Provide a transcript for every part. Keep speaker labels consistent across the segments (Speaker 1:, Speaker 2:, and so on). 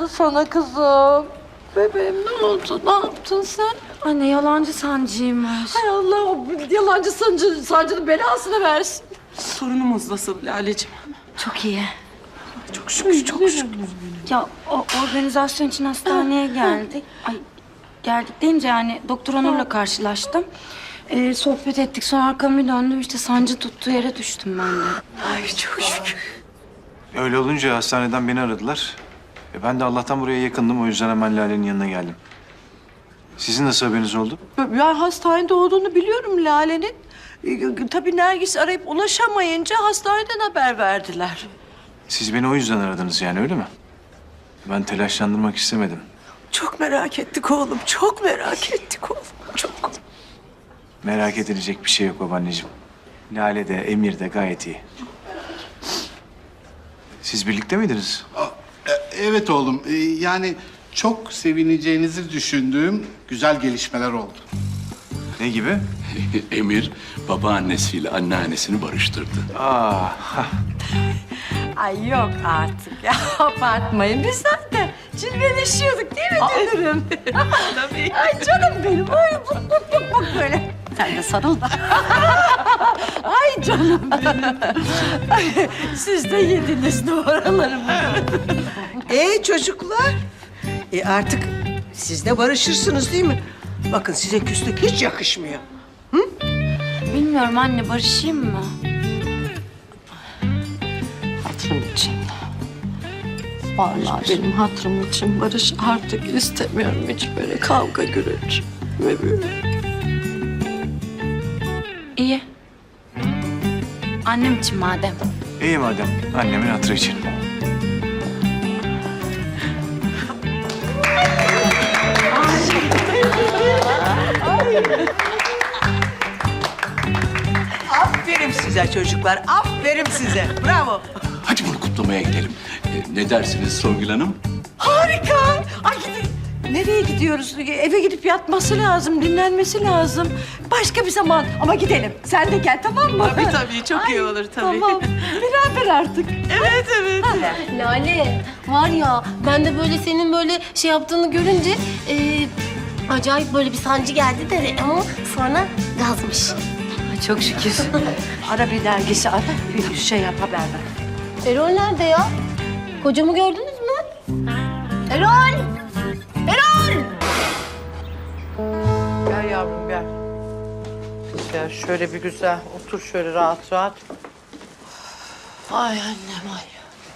Speaker 1: oldu sana kızım? Bebeğim ne oldu? Ne yaptın sen?
Speaker 2: Anne yalancı sancıymış.
Speaker 1: Hay Allah o yalancı sancının belasını versin.
Speaker 3: Sorunumuz nasıl Lale'ciğim?
Speaker 2: Çok iyi.
Speaker 3: Çok şükür, çok şükür.
Speaker 2: Ya o organizasyon için hastaneye geldik. Geldik deyince yani Doktor Onur'la karşılaştım. Sohbet ettik, sonra arkamı döndüm, işte sancı tuttuğu yere düştüm ben de.
Speaker 3: Ay çok şükür.
Speaker 4: Öyle olunca hastaneden beni aradılar. Ben de Allah'tan buraya yakındım. O yüzden hemen Lale'nin yanına geldim. Sizin nasıl haberiniz oldu?
Speaker 1: Ben hastanede olduğunu biliyorum Lale'nin. Tabii Nergis arayıp ulaşamayınca hastaneden haber verdiler.
Speaker 4: Siz beni o yüzden aradınız yani öyle mi? Ben telaşlandırmak istemedim.
Speaker 3: Çok merak ettik oğlum, çok merak ettik oğlum. Çok.
Speaker 4: Merak edilecek bir şey yok babaanneciğim. Lale de Emir de gayet iyi. Siz birlikte miydiniz?
Speaker 5: Evet oğlum. Yani çok sevineceğinizi düşündüğüm güzel gelişmeler oldu.
Speaker 4: Ne gibi?
Speaker 6: Emir babaannesiyle anneannesini barıştırdı.
Speaker 4: Aa,
Speaker 1: Ay yok artık ya abartmayın. Biz zaten cilveleşiyorduk değil mi Dünür'üm? Ay canım benim. Ay buk böyle. Sen de sarıl da. Ay canım benim. Siz de yediniz numaralarımı.
Speaker 7: Çocuklar, artık siz de barışırsınız değil mi? Bakın size küslük hiç yakışmıyor.
Speaker 2: Bilmiyorum anne, barışayım mı?
Speaker 1: Hatırım için. Vallahi benim hatırım için Barış artık istemiyorum hiç böyle kavga gürültü ve böyle.
Speaker 2: İyi. Annem için madem.
Speaker 4: iyi madem. Annemin hatırı için.
Speaker 7: Aferin size çocuklar, aferin size. Bravo.
Speaker 6: Hadi bunu kutlamaya gidelim. Ne dersiniz Songül Hanım?
Speaker 1: Harika. Ay nereye gidiyoruz? Eve gidip yatması lazım, dinlenmesi lazım. Başka bir zaman ama gidelim. Sen de gel tamam mı?
Speaker 3: Tabii, çok iyi olur tabii.
Speaker 1: Tamam. Beraber artık.
Speaker 3: Evet, evet.
Speaker 8: Lale var ya ben de böyle senin böyle şey yaptığını görünce acayip böyle bir sancı geldi de ama sonra gazmış.
Speaker 2: Ay, çok şükür.
Speaker 1: Ara bir dergisi ara. Bir şey yap haber ver.
Speaker 8: Erol nerede ya? Kocamı gördünüz mü? Erol! Erol!
Speaker 1: Gel yavrum gel. Gel şöyle bir güzel otur şöyle rahat rahat. Ay annem ay.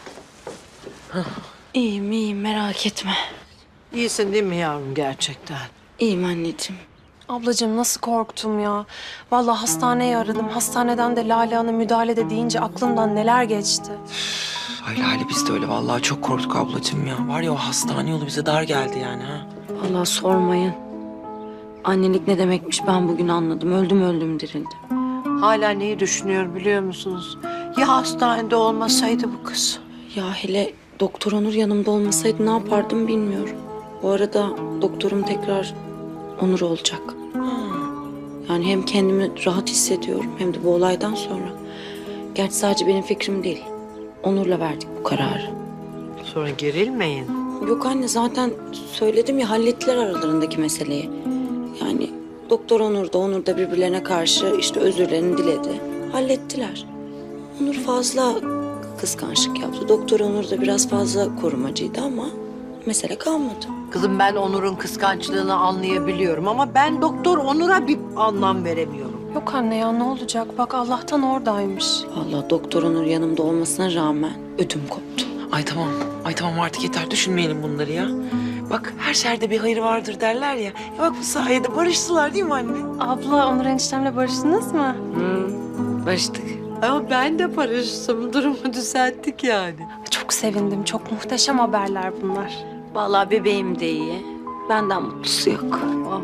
Speaker 2: İyiyim, merak etme.
Speaker 1: İyisin değil mi yavrum gerçekten?
Speaker 2: İyiyim anneciğim.
Speaker 9: Ablacığım nasıl korktum ya. Vallahi hastaneyi aradım. Hastaneden de Lale Hanım müdahalede deyince aklımdan neler geçti.
Speaker 3: Ay Lale biz de öyle vallahi çok korktuk ablacığım ya. Var ya o hastane yolu bize dar geldi yani ha.
Speaker 2: Vallahi sormayın. Annelik ne demekmiş ben bugün anladım. Öldüm dirildim.
Speaker 1: Hala neyi düşünüyor biliyor musunuz? Ya hastanede olmasaydı bu kız?
Speaker 2: Ya hele Doktor Onur yanımda olmasaydı ne yapardım bilmiyorum. Bu arada doktorum tekrar Onur olacak. Yani hem kendimi rahat hissediyorum hem de bu olaydan sonra. Gerçi sadece benim fikrim değil. Onur'la verdik bu kararı.
Speaker 1: Sonra gerilmeyin.
Speaker 2: Yok anne, zaten söyledim ya, hallettiler aralarındaki meseleyi. Yani Doktor Onur da birbirlerine karşı işte özürlerini diledi. Hallettiler. Onur fazla kıskançlık yaptı. Doktor Onur da biraz fazla korumacıydı ama mesele kalmadı.
Speaker 1: Kızım ben Onur'un kıskançlığını anlayabiliyorum ama ben Doktor Onur'a bir anlam veremiyorum.
Speaker 9: Yok anne ya ne olacak? Bak Allah'tan oradaymış.
Speaker 2: Vallahi Doktor Onur yanımda olmasına rağmen ödüm koptu.
Speaker 3: Ay tamam artık yeter düşünmeyelim bunları ya. Bak her şerde bir hayır vardır derler ya. Bak bu sayede barıştılar değil mi anne?
Speaker 9: Abla Onur eniştemle barıştınız mı?
Speaker 2: Barıştık.
Speaker 1: Ama ben de barıştım. Durumu düzelttik yani.
Speaker 9: Çok sevindim. Çok muhteşem haberler bunlar.
Speaker 2: Vallahi bebeğim de iyi. Benden mutlusu yok.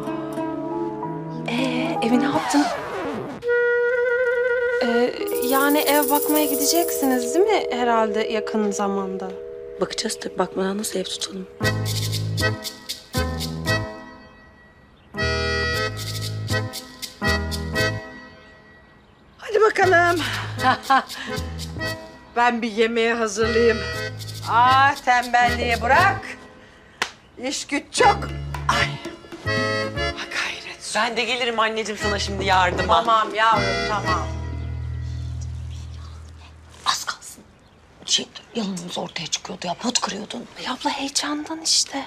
Speaker 9: Evi ne yaptın? Yani ev bakmaya gideceksiniz değil mi herhalde yakın zamanda?
Speaker 2: Bakacağız tabii. Bakmadan nasıl ev tutalım?
Speaker 7: Hadi bakalım.
Speaker 1: Ben bir yemeğe hazırlayayım. Tembelliği bırak.
Speaker 7: İş güç çok.
Speaker 3: Ben de gelirim anneciğim sana şimdi yardıma.
Speaker 7: Tamam yavrum tamam.
Speaker 2: Az kalsın. Yalanımız ortaya çıkıyordu ya. Pot kırıyordun.
Speaker 9: Ay abla heyecandan işte.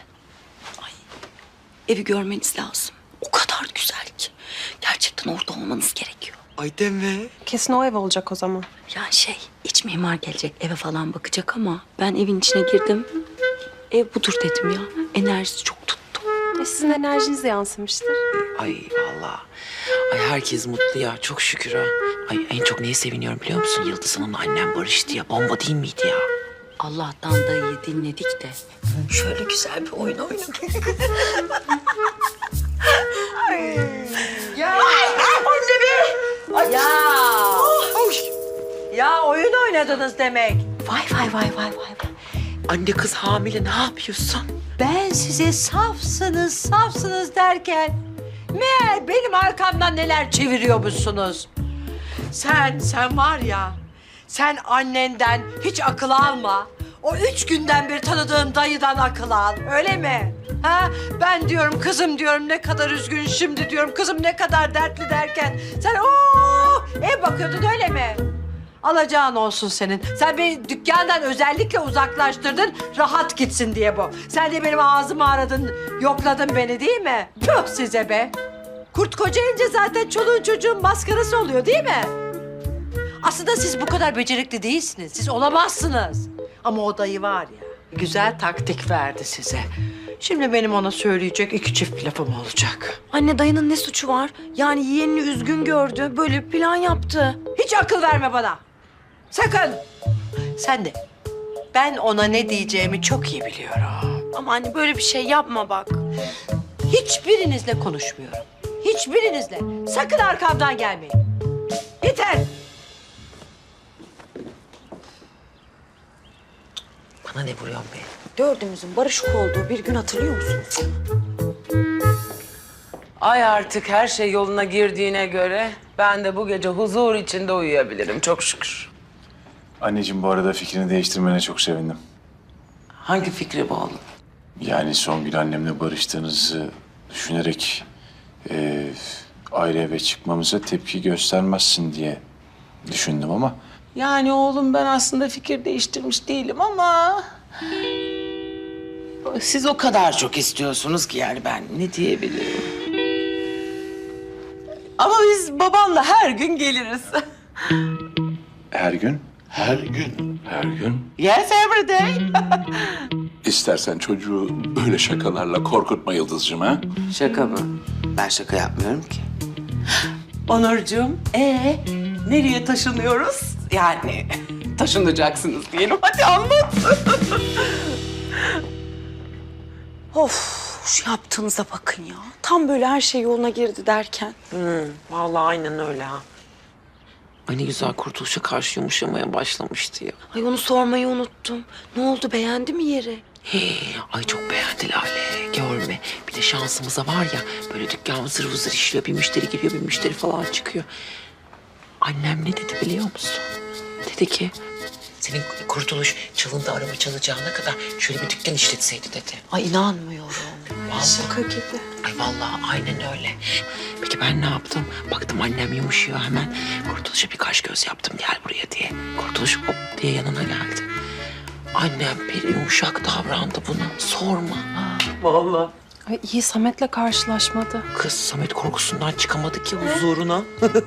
Speaker 2: Evi görmeniz lazım. O kadar güzel ki. Gerçekten orada olmanız gerekiyor.
Speaker 3: Ay deme.
Speaker 9: Kesin o ev olacak o zaman.
Speaker 2: Yani iç mimar gelecek eve falan bakacak ama ben evin içine girdim. Ev budur dedim ya. Enerjisi çok tuttu.
Speaker 9: Sizin enerjiniz yansımıştır.
Speaker 3: Ay vallahi. Ay herkes mutlu ya. Çok şükür ha. Ay en çok neye seviniyorum biliyor musun? Yıldız Hanım'la annem barıştı ya. Bomba değil miydi ya?
Speaker 2: Allah'tan dayıyı dinledik de şöyle güzel bir oyun oynadık.
Speaker 7: Ya. Ya oyun oynadınız demek.
Speaker 3: Vay. Anne kız hamile ne yapıyorsun?
Speaker 7: Ben size safsınız derken meğer benim arkamdan neler çeviriyormuşsunuz. Sen var ya, sen annenden hiç akıl alma. O 3 günden beri tanıdığın dayıdan akıl al, öyle mi? Ha? Ben diyorum kızım diyorum ne kadar üzgün şimdi diyorum kızım ne kadar dertli derken sen ev bakıyordun öyle mi? Alacağın olsun senin. Sen beni dükkandan özellikle uzaklaştırdın, rahat gitsin diye bu. Sen de benim ağzımı aradın, yokladın beni değil mi? Tüh size be! Kurt kocayınca zaten çoluğun çocuğun maskarası oluyor değil mi? Aslında siz bu kadar becerikli değilsiniz. Siz olamazsınız. Ama o dayı var ya, güzel taktik verdi size. Şimdi benim ona söyleyecek 2 çift lafım olacak.
Speaker 2: Anne dayının ne suçu var? Yani yeğenini üzgün gördü. Böyle bir plan yaptı.
Speaker 7: Hiç akıl verme bana. Sakın. Sen de. Ben ona ne diyeceğimi çok iyi biliyorum.
Speaker 2: Ama anne böyle bir şey yapma bak.
Speaker 7: Hiçbirinizle konuşmuyorum. Hiçbirinizle. Sakın arkamdan gelmeyin. Yeter.
Speaker 3: Bana ne vuruyorsun be?
Speaker 2: Dördümüzün barışık olduğu bir gün hatırlıyor musunuz?
Speaker 10: Ay artık her şey yoluna girdiğine göre ben de bu gece huzur içinde uyuyabilirim çok şükür.
Speaker 4: Anneciğim bu arada fikrini değiştirmene çok sevindim.
Speaker 10: Hangi fikri bu oğlum?
Speaker 4: Yani Songül annemle barıştığınızı düşünerek ayrı eve çıkmamıza tepki göstermezsin diye düşündüm ama
Speaker 10: Yani oğlum ben aslında fikir değiştirmiş değilim ama... Siz o kadar çok istiyorsunuz ki yani ben ne diyebilirim? Ama biz babanla her gün geliriz.
Speaker 4: her gün
Speaker 6: Her gün, her gün.
Speaker 10: Yes, every day.
Speaker 6: İstersen çocuğu böyle şakalarla korkutma Yıldızcığım ha.
Speaker 10: Şaka mı? Ben şaka yapmıyorum ki. Onurcuğum, nereye taşınıyoruz? Yani taşınacaksınız diyelim. Hadi anlat.
Speaker 2: Of şu yaptığınıza bakın ya. Tam böyle her şey yoluna girdi derken.
Speaker 3: Vallahi aynen öyle ha. Ay ne güzel kurtuluşa karşı yumuşamaya başlamıştı ya.
Speaker 2: Ay onu sormayı unuttum. Ne oldu beğendi mi yeri?
Speaker 3: Ay çok beğendi Lale. Görme. Bir de şansımıza var ya böyle dükkan vızır vızır işliyor. Bir müşteri giriyor, bir müşteri falan çıkıyor. Annem ne dedi biliyor musun? Dedi ki senin kurtuluş çalındı araba çalacağına kadar şöyle bir dükkan işletseydi dedi.
Speaker 2: Ay inanmıyorum.
Speaker 3: Şaka gibi. Ay vallahi aynen öyle. Peki ben ne yaptım? Baktım annem yumuşuyor hemen. Kurtuluş'a bir kaş göz yaptım gel buraya diye. Kurtuluş hop diye yanına geldi. Annem bir yumuşak davrandı buna. Sorma. Vallahi.
Speaker 9: Ay iyi Samet'le karşılaşmadı.
Speaker 3: Kız Samet korkusundan çıkamadı ki huzuruna.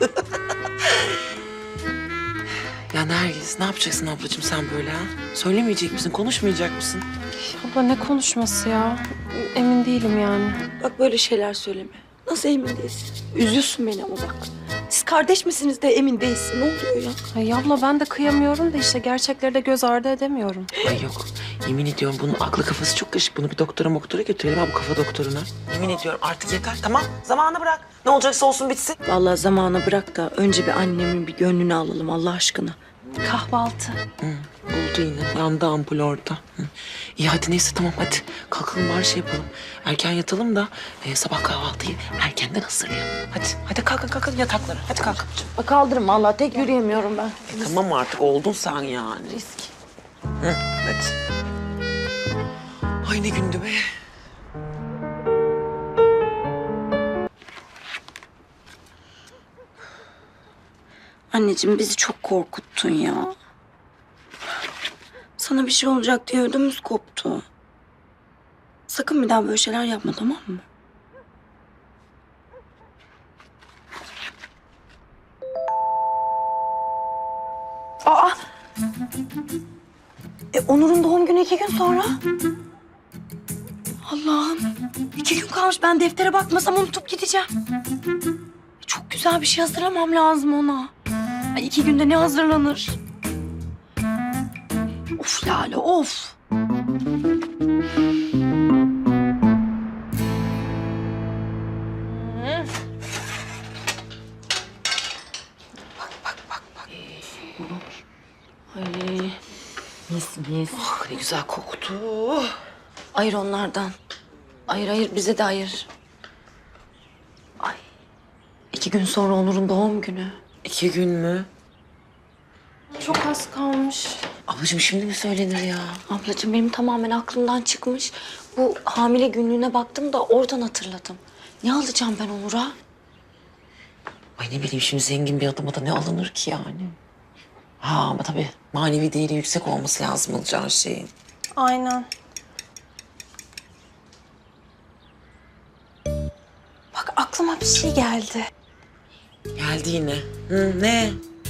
Speaker 3: Ya Nergis ne yapacaksın ablacığım sen böyle ha? Söylemeyecek misin, konuşmayacak mısın?
Speaker 9: Abla ne konuşması ya? Emin değilim yani.
Speaker 2: Bak böyle şeyler söyleme. Nasıl emin değilsin? Üzüyorsun beni ama bak. Siz kardeş misiniz de emin değilsin. Ne oluyor ya?
Speaker 9: Ay abla ben de kıyamıyorum da işte gerçekleri de göz ardı edemiyorum.
Speaker 3: Ay yok. Yemin ediyorum bunun aklı kafası çok karışık. Bunu bir doktora götürelim ha bu kafa doktoruna. Yemin ediyorum artık yeter tamam. Zamanı bırak. Ne olacaksa olsun bitsin.
Speaker 2: Vallahi zamana bırak da önce bir annemin bir gönlünü alalım Allah aşkına.
Speaker 9: Kahvaltı.
Speaker 3: Oldu yine. Yandı ampul orada. Hı. İyi hadi neyse tamam hadi. Kalkalım bari şey yapalım. Erken yatalım da sabah kahvaltıyı erkenden hazırlayalım. Hadi kalkın yataklara. Hadi kalkın.
Speaker 2: Kaldırın vallahi tek yürüyemiyorum ben.
Speaker 3: Tamam artık oldun sen yani. Risk. Hı, hadi. Ay ne gündü be.
Speaker 2: Anneciğim bizi çok korkuttun ya. Sana bir şey olacak diye ödümüz koptu. Sakın bir daha böyle şeyler yapma, tamam mı? Aa! Onur'un doğum günü 2 gün sonra. Allah'ım. 2 gün kalmış. Ben deftere bakmasam unutup gideceğim. Çok güzel bir şey hazırlamam lazım ona. Ay 2 günde ne hazırlanır? Of Lale, of. Ay. Mis mis.
Speaker 3: Ah, ne güzel koktu.
Speaker 2: Ayır onlardan. Hayır, bize de ayır. Ay. 2 gün sonra Onur'un doğum günü.
Speaker 3: 2 gün mü?
Speaker 9: Çok az kalmış.
Speaker 3: Ablacığım şimdi mi söylenir ya?
Speaker 2: Ablacığım benim tamamen aklımdan çıkmış. Bu hamile günlüğüne baktım da oradan hatırladım. Ne alacağım ben Onur'a?
Speaker 3: Ay ne bileyim şimdi zengin bir adama da ne alınır ki yani? Ha ama tabii manevi değeri yüksek olması lazım alacağı şeyin.
Speaker 9: Aynen.
Speaker 2: Bak aklıma bir şey geldi.
Speaker 3: Geldi yine. Hı, ne?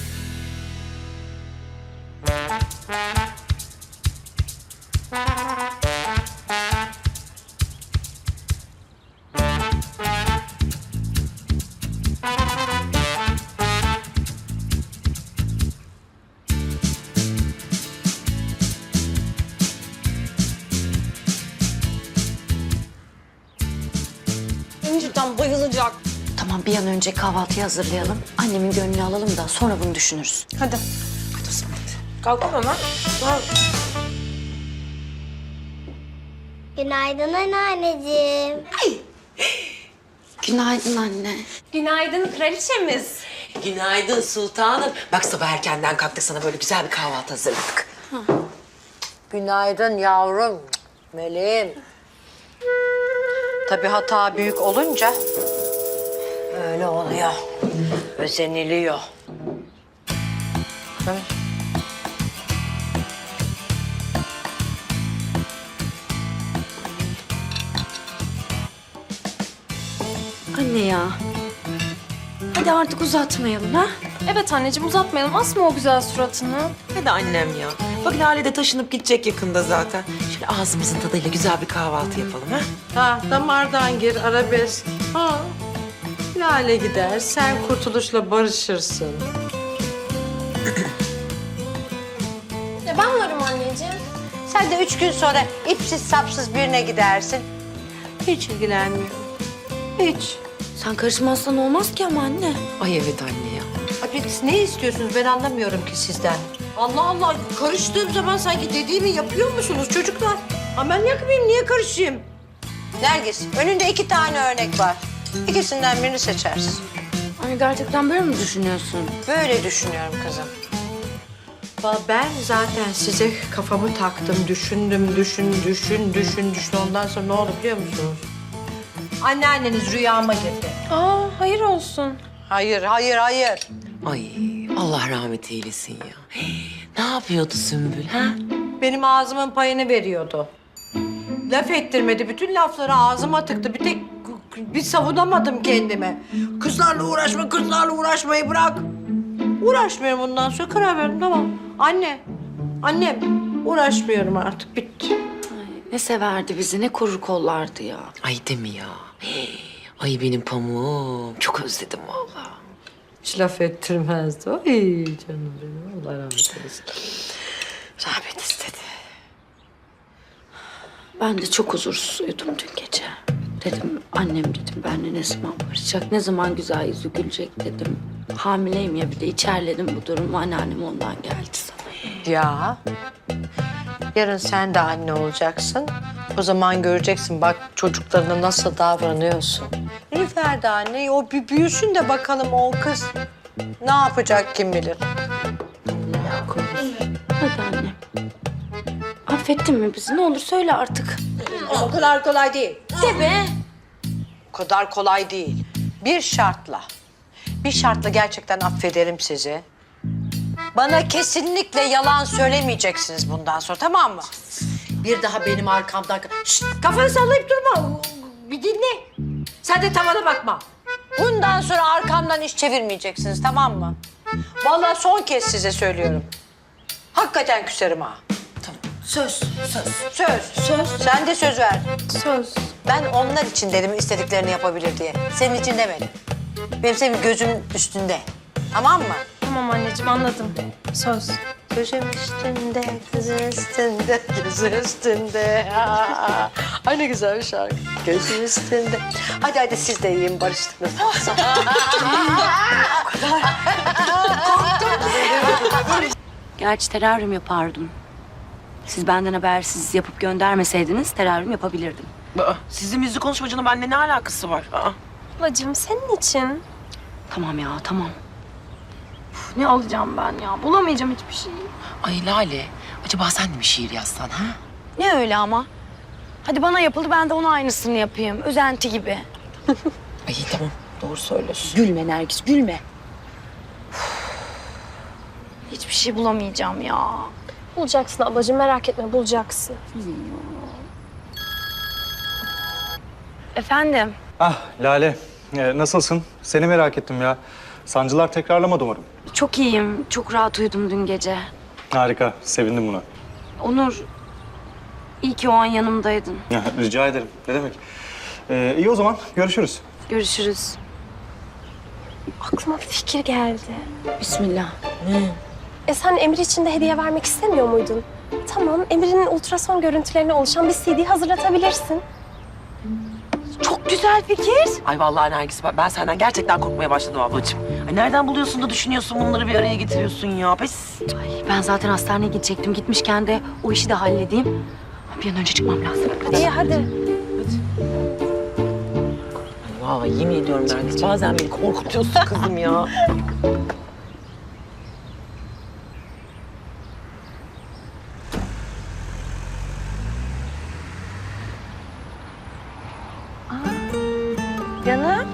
Speaker 9: Cidden bayılacak.
Speaker 2: Tamam bir an önce kahvaltıyı hazırlayalım. Annemin gönlünü alalım da sonra bunu düşünürüz.
Speaker 9: Hadi.
Speaker 3: Hadi o zaman hadi.
Speaker 9: Kalkalım hemen.
Speaker 11: Günaydın anneanneciğim.
Speaker 2: Günaydın anne.
Speaker 9: Günaydın kraliçemiz.
Speaker 3: Günaydın sultanım. Bak sabah erkenden kalktık sana böyle güzel bir kahvaltı hazırladık.
Speaker 7: Günaydın yavrum. Meleğim. Tabii hata büyük olunca öyle oluyor. Özeniliyor. Değil mi?
Speaker 2: Anne ya. Hadi artık uzatmayalım ha.
Speaker 9: Evet anneciğim uzatmayalım. Asma o güzel suratını.
Speaker 3: Hadi annem ya. Bak Lale de taşınıp gidecek yakında zaten. Şöyle ağzımızın tadıyla güzel bir kahvaltı yapalım ha.
Speaker 7: Ha, damardan gir arabesk. Ha. Lale gider, sen kurtuluşla barışırsın.
Speaker 9: Ben varım anneciğim.
Speaker 7: Sen de 3 gün sonra ipsiz sapsız birine gidersin. Hiç ilgilenmiyorum. Hiç.
Speaker 2: Sen karışmazsan olmaz ki ama anne.
Speaker 3: Ay evet anne ya.
Speaker 7: Abi siz ne istiyorsunuz ben anlamıyorum ki sizden. Allah Allah karıştığım zaman sanki dediğimi yapıyor musunuz çocuklar? Ama ben yakmayayım niye karışayım? Nergis önünde 2 tane örnek var. İkisinden birini seçersin.
Speaker 2: Anne gerçekten böyle mi düşünüyorsun?
Speaker 7: Böyle düşünüyorum kızım. Ben zaten size kafamı taktım, düşündüm, düşün. Ondan sonra ne oldu biliyor musunuz? Anneanneniz rüyama girdi.
Speaker 9: Aa hayır olsun.
Speaker 7: Hayır.
Speaker 3: Ay Allah rahmet eylesin ya. Ne yapıyordu Sümbül ha?
Speaker 7: Benim ağzımın payını veriyordu. Laf ettirmedi, bütün lafları ağzıma tıktı. Bir savunamadım kendimi. Kızlarla uğraşmayı bırak. Uğraşmıyorum bundan sonra, karar verdim, tamam. Annem, uğraşmıyorum artık, bitti.
Speaker 2: Ne severdi bizi, ne korur kollardı ya.
Speaker 3: Ay deme ya. Ay benim pamuğum. Çok özledim vallahi.
Speaker 7: Hiç laf ettirmezdi. Ay canım benim, Allah rahmet eylesin. Rahmet istedi.
Speaker 2: Ben de çok huzursuz uyudum dün gece. Dedim annem dedim benimle ne zaman barışacak, ne zaman güzel yüzü gülecek dedim. Hamileyim ya bir de içerledim bu durumu, anneannem ondan geldi sana.
Speaker 7: Ya, yarın sen de anne olacaksın. O zaman göreceksin bak çocuklarına nasıl davranıyorsun. Nilüfer de anne, o bir büyüsün de bakalım o kız ne yapacak kim bilir.
Speaker 2: Hadi annem. Affettin mi bizi? Ne olur söyle artık.
Speaker 7: O kadar kolay değil.
Speaker 2: De be.
Speaker 7: O kadar kolay değil. Bir şartla gerçekten affederim sizi. Bana kesinlikle yalan söylemeyeceksiniz bundan sonra, tamam mı? Bir daha benim arkamdan... Şşt, kafanı sallayıp durma. Bir dinle. Sen de tavana bakma. Bundan sonra arkamdan iş çevirmeyeceksiniz, tamam mı? Vallahi son kez size söylüyorum. Hakikaten küserim ha. Tamam. Söz. Sen de söz ver.
Speaker 9: Söz.
Speaker 7: Ben onlar için dedim istediklerini yapabilir diye. Senin için demedim. Benim senin gözümün üstünde. Tamam mı?
Speaker 9: Tamam anneciğim anladım. Söz.
Speaker 7: Gözüm üstünde, gözüm üstünde, gözüm üstünde. Aa, ay ne güzel bir şarkı. Gözüm üstünde. Hadi siz de yiyin, barıştık nasıl olsa.
Speaker 2: Gerçi teraryum yapardım. Siz benden habersiz yapıp göndermeseydiniz teraryum yapabilirdim.
Speaker 3: Sizin müzik konuşmacının benimle ne alakası var?
Speaker 9: Ablacığım senin için.
Speaker 2: Tamam ya, tamam.
Speaker 9: Uf, ne alacağım ben ya? Bulamayacağım hiçbir şey.
Speaker 3: Ay Lale, acaba sen de mi şiir yazsan ha?
Speaker 2: Ne öyle ama? Hadi bana yapıldı, ben de ona aynısını yapayım. Özenti gibi.
Speaker 3: Ay tamam, doğru söylüyorsun.
Speaker 2: Gülme Nergis, gülme. Hiçbir şey bulamayacağım ya.
Speaker 9: Bulacaksın ablacığım, merak etme, bulacaksın.
Speaker 2: Efendim?
Speaker 12: Ah Lale, nasılsın? Seni merak ettim ya. Sancılar tekrarlamadı umarım.
Speaker 2: Çok iyiyim. Çok rahat uyudum dün gece.
Speaker 12: Harika, sevindim buna.
Speaker 2: Onur, iyi ki o an yanımdaydın.
Speaker 12: Rica ederim, ne demek. İyi o zaman, görüşürüz.
Speaker 2: Görüşürüz.
Speaker 9: Aklıma bir fikir geldi.
Speaker 2: Bismillah.
Speaker 9: Sen Emir için de hediye vermek istemiyor muydun? Tamam, Emir'in ultrason görüntülerine oluşan bir CD hazırlatabilirsin.
Speaker 2: Çok güzel fikir.
Speaker 3: Ay vallahi Nergis, ben senden gerçekten korkmaya başladım ablacığım. Ay nereden buluyorsun da düşünüyorsun bunları bir araya getiriyorsun ya? Pes.
Speaker 2: Ay, ben zaten hastaneye gidecektim. Gitmişken de o işi de halledeyim. Bir an önce çıkmam lazım.
Speaker 9: İyi hadi.
Speaker 3: Vallahi yemin ediyorum Nergis, bazen beni korkutuyorsun kızım ya.
Speaker 2: Canım.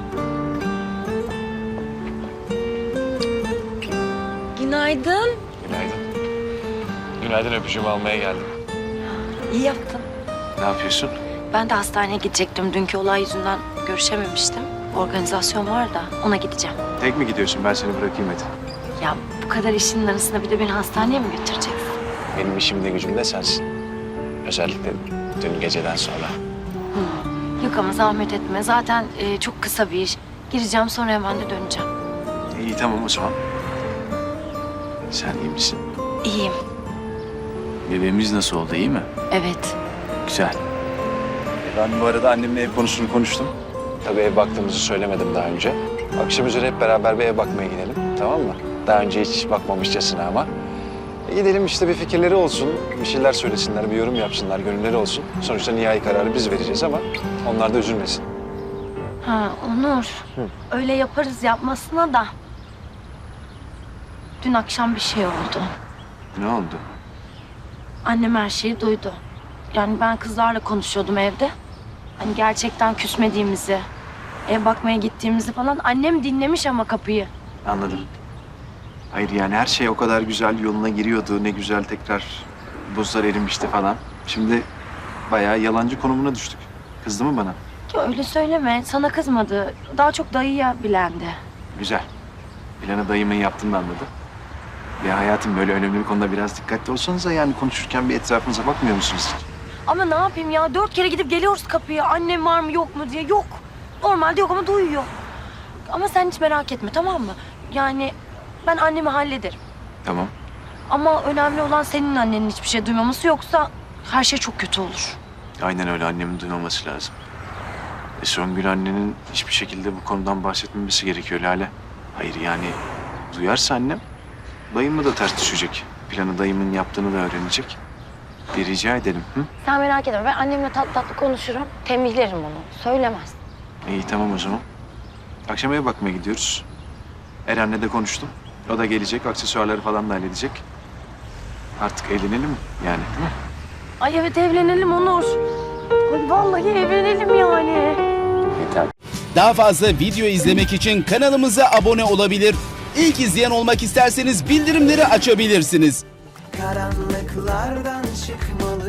Speaker 2: Günaydın.
Speaker 4: Günaydın. Günaydın, öpücüğümü almaya geldim.
Speaker 2: İyi yaptın.
Speaker 4: Ne yapıyorsun?
Speaker 2: Ben de hastaneye gidecektim. Dünkü olay yüzünden görüşememiştim. Organizasyon var da ona gideceğim.
Speaker 4: Tek mi gidiyorsun? Ben seni bırakayım hadi.
Speaker 2: Ya bu kadar işinin arasında bir de beni hastaneye mi götüreceksin?
Speaker 4: Benim işimde gücümde sensin. Özellikle dün geceden sonra.
Speaker 2: Yok ama zahmet etme. Zaten çok kısa bir iş. Gireceğim sonra hemen de döneceğim.
Speaker 4: İyi tamam o zaman. Sen iyi misin?
Speaker 2: İyiyim.
Speaker 4: Bebeğimiz nasıl oldu, iyi mi?
Speaker 2: Evet.
Speaker 4: Güzel. Ben bu arada annemle ev konusunu konuştum. Tabii ev baktığımızı söylemedim daha önce. Akşam üzere hep beraber bir ev bakmaya gidelim, tamam mı? Daha önce hiç bakmamışçasına ama. Gidelim işte, bir fikirleri olsun, bir şeyler söylesinler, bir yorum yapsınlar, gönülleri olsun. Sonuçta nihai kararı biz vereceğiz ama onlar da üzülmesin.
Speaker 2: Ha Onur. Öyle yaparız yapmasına da. Dün akşam bir şey oldu.
Speaker 4: Ne oldu?
Speaker 2: Annem her şeyi duydu. Yani ben kızlarla konuşuyordum evde. Hani gerçekten küsmediğimizi, ev bakmaya gittiğimizi falan. Annem dinlemiş ama kapıyı.
Speaker 4: Anladım. Hayır yani her şey o kadar güzel yoluna giriyordu. Ne güzel tekrar buzlar erimişti falan. Şimdi bayağı yalancı konumuna düştük. Kızdı mı bana?
Speaker 2: Ya öyle söyleme. Sana kızmadı. Daha çok dayıya bilendi.
Speaker 4: Güzel. Planı dayımın yaptığını anladı. Ya hayatım, böyle önemli bir konuda biraz dikkatli olsanıza, yani konuşurken bir etrafınıza bakmıyor musunuz hiç?
Speaker 2: Ama ne yapayım ya? 4 kere gidip geliyoruz kapıya. Annem var mı yok mu diye. Yok. Normalde yok ama duyuyor. Ama sen hiç merak etme, tamam mı? Yani ben annemi hallederim.
Speaker 4: Tamam.
Speaker 2: Ama önemli olan senin annenin hiçbir şey duymaması, yoksa her şey çok kötü olur.
Speaker 4: Aynen öyle, annemin duymaması lazım. Songül annenin hiçbir şekilde bu konudan bahsetmemesi gerekiyor Lale. Hayır yani duyarsa annem, dayımla da ters düşecek. Planı dayımın yaptığını da öğrenecek. Bir rica edelim. Hı?
Speaker 2: Sen merak etme. Ben annemle tatlı tatlı konuşurum. Tembihlerim onu. Söylemez.
Speaker 4: İyi tamam o zaman. Akşam eve bakmaya gidiyoruz. Eren'le de konuştum. O da gelecek, aksesuarları falan da halledecek. Artık evlenelim mi yani, değil mi?
Speaker 2: Ay evet, evlenelim Onur. Ay vallahi evlenelim yani.
Speaker 4: Yeter.
Speaker 13: Daha fazla video izlemek için kanalımıza abone olabilir. İlk izleyen olmak isterseniz bildirimleri açabilirsiniz.
Speaker 14: Karanlıklardan çıkmalı